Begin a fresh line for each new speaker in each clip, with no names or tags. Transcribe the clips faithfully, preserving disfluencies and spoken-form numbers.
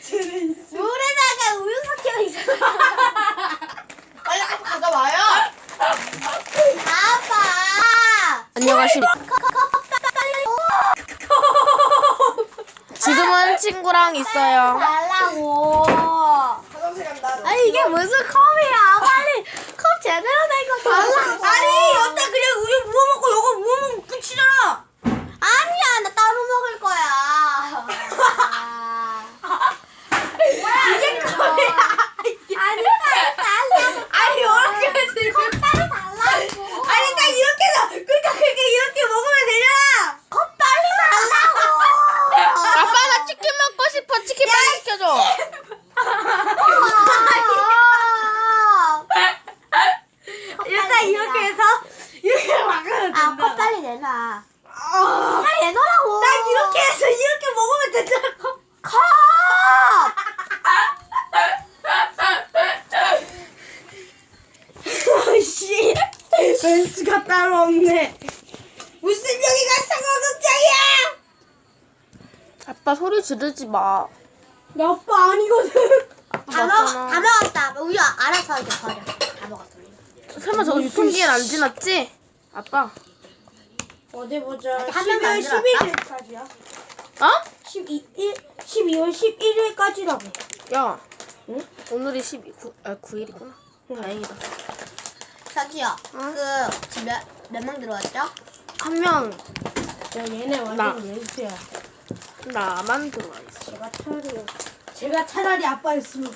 물에다가 우유 섞여 있어.
빨리 한번 가져와요.
아빠.
안녕하십니까. 지금은 친구랑 있어요.
달라고.
화장실 간다.
아니 이게 무슨 컵이야? 빨리 컵 제대로 된 거 달라고.
아니 여태 그냥 우유 부어 먹고 요거 부어 먹으면 끝이잖아.
아니야 나 따로 먹을 거야. 뭐야 이게 컵이야? 아니 빨리 달라고.
아니 이렇게 해서 이거
컵 빨리 달라고.
아니 딱 이렇게 해서 그러니까 그렇게 이렇게 먹으면 되잖아.
컵 빨리 달라고.
아빠 나 치킨 먹고 싶어. 치킨 빨리 시켜줘.
일단 이렇게 해서 이렇게 막으면 된다.
아, 컵 빨리 내놔.
아,
빨리 내놓으라고.
딱 이렇게 해서 이렇게 먹으면 된다고.
컵.
아씨, 벤츠가 따로 없네. 무슨 여기가 상어극장이야?
아빠 소리 지르지 마.
나 아빠 아니거든.
아빠
다 먹,
맞잖아.
다 먹었다. 우유 알아서 이제 버려. 다 먹었어.
설마 저거 유통기한 안 지났지? 아빠.
어디 보자.
아직 한 명도 안
십이월 십일일까지야.
어?
십이월 십일일까지라고.
야.
응?
오늘이 십이, 구, 아, 구 일이구나. 다행이다.
저기요.
어?
그 지금 몇, 몇 명 들어왔죠?
한 명,
야 얘네
나.
완전 왼수야.
나만 들어와 있어.
제가 차라리 제가 차라리 아빠였으면.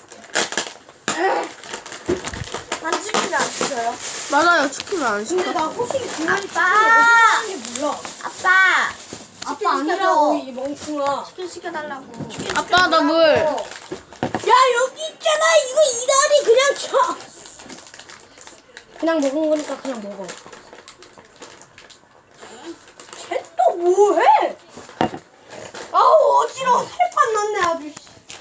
난 치킨을 안 시켜요.
맞아요. 치킨을 안
근데
시켜.
나 호식이 분명히
아빠!
치킨이 몰라.
아빠.
아빠
시켜줘.
아니라고 이 멍충아.
치킨 시켜달라고.
아빠 나 물.
야 여기 있잖아. 이거 이다리 그냥 쳐. 그냥 먹은 거니까 그냥 먹어. 쟤 또 뭐해? 아우 어지러워. 살판 났네 아주.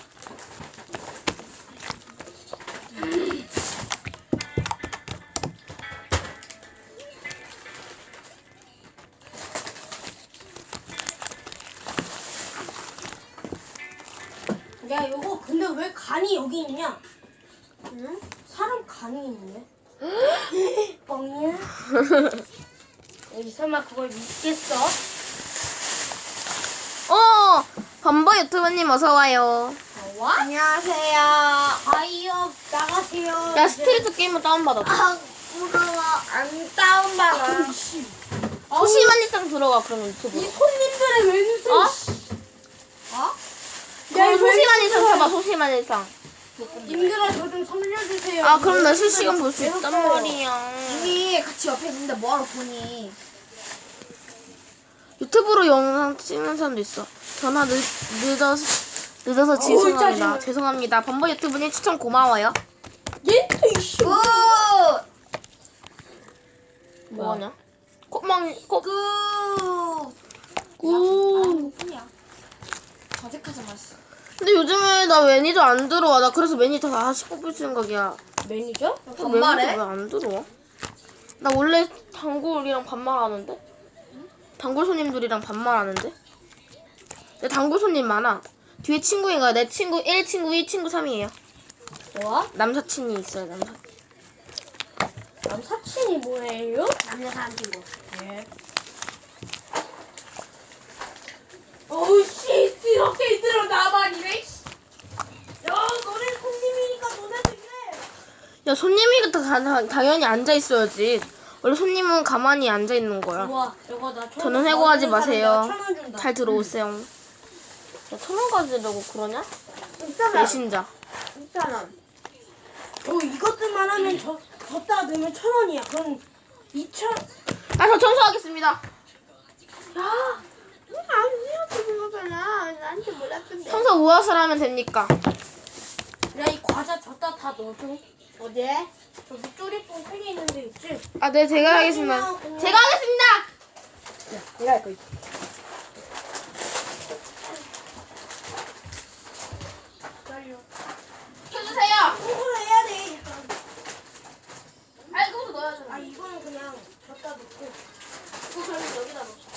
야 요거 근데 왜 간이 여기 있냐?
응?
사람 간이 있네. 뻥이야? 여기 설마 그걸 믿겠어?
어! 범버 유튜브님 어서와요.
와? 안녕하세요. 아이요 나가세요.
야, 스트리트 게임을 다운받았어.
아 무서워.
안 다운받아.
소심한 일상 들어가, 그럼
이
유튜브.
손님들의 왼수.
어?
어?
그럼 소심한 일상 봐봐, 소심한 일상.
님들아 저 좀 살려주세요.
아, 그럼 나 실시간 볼 수 있단
배고파요.
말이야.
이미 같이 옆에 있는데 뭐하러 보니?
유튜브로 영상 찍는 사람도 있어. 전화 늦, 늦어서, 늦어서 죄송합니다.
짜증나.
죄송합니다. 범버 유튜브님 추천 고마워요.
얘또 이씨.
굿.
뭐하냐? 꼬망, 꼬,
굿.
꾸.
뿐이야. 어색하지 마시.
근데 요즘에 나 매니저 안 들어와. 나 그래서 매니저 다시 뽑을 생각이야.
매니저?
반말해?
매니저 왜 안 들어와? 나 원래 단골이랑 반말하는데? 단골 손님들이랑 반말하는데? 내 단골 손님 많아. 뒤에 친구인가? 내 친구 일, 친구 이, 친구 삼이에요.
뭐?
남사친이 있어요, 남사.
남사친이 뭐예요?
남녀 사람 친구.
네. 어우씨 이렇게 이대로 나만 이래. 야 너네 손님이니까 너네도 이래.
야, 손님이 다, 다, 당연히 앉아 있어야지. 원래 손님은 가만히 앉아 있는 거야.
우와 이거 나 천-
저는 해고하지
나
마세요.
천원 준다.
잘 들어오세요. 야, 천원 가지려고 그러냐?
있잖아.
배신자.
있잖아.
어 이것들만 하면 저 줬다 넣으면 천 원이야. 그럼 이천.
아, 저 청소하겠습니다.
야. 아니야 그거잖아. 나한테 몰랐던데.
청소 무엇을 하면 됩니까?
야 이 과자 줬다 다 넣어줘. 어디에? 저기 쪼리뽕 세 개 있는데 있지?
아, 네, 제가 하겠습니다. 제가 하겠습니다!
야 내가 할 거 있지.
켜주세요!
이걸 해야 돼.
아, 이거부터 넣어야죠.
아 이거는 그냥 줬다 놓고.
이거 그럼 여기다 넣자.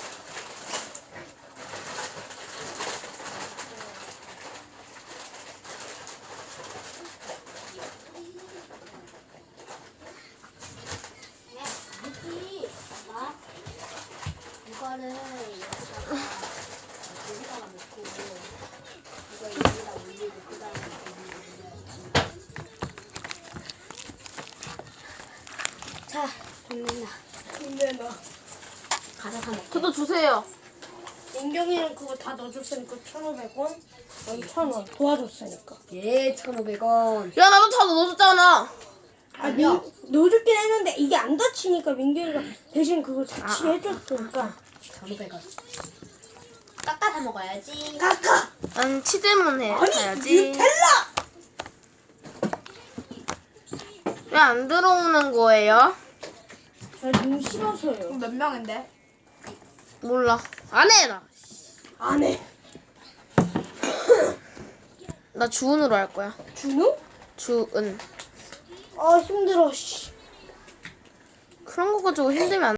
힘내나.
힘내놔.
가자 사 먹게.
저도 주세요.
민경이는 그거 다 넣어줬으니까 천오백 원. 여기 천 원 도와줬으니까.
예, 천오백 원.
야 나도 다 넣어줬잖아.
아, 민, 넣어줬긴 했는데 이게 안 다치니까 민경이가 대신 그걸 같이 해줬으니까.
천오백 원. 깎아서 먹어야지.
까까.
난 치즈문 해
아니
가야지.
뉴텔라.
왜 안 들어오는 거예요?
저눈 싫어서요.
몇 명인데?
몰라. 안 해 나.
안 해.
나 주은으로 할 거야.
준우?
주은.
아 힘들어. 씨.
그런 거 가지고 힘들면 안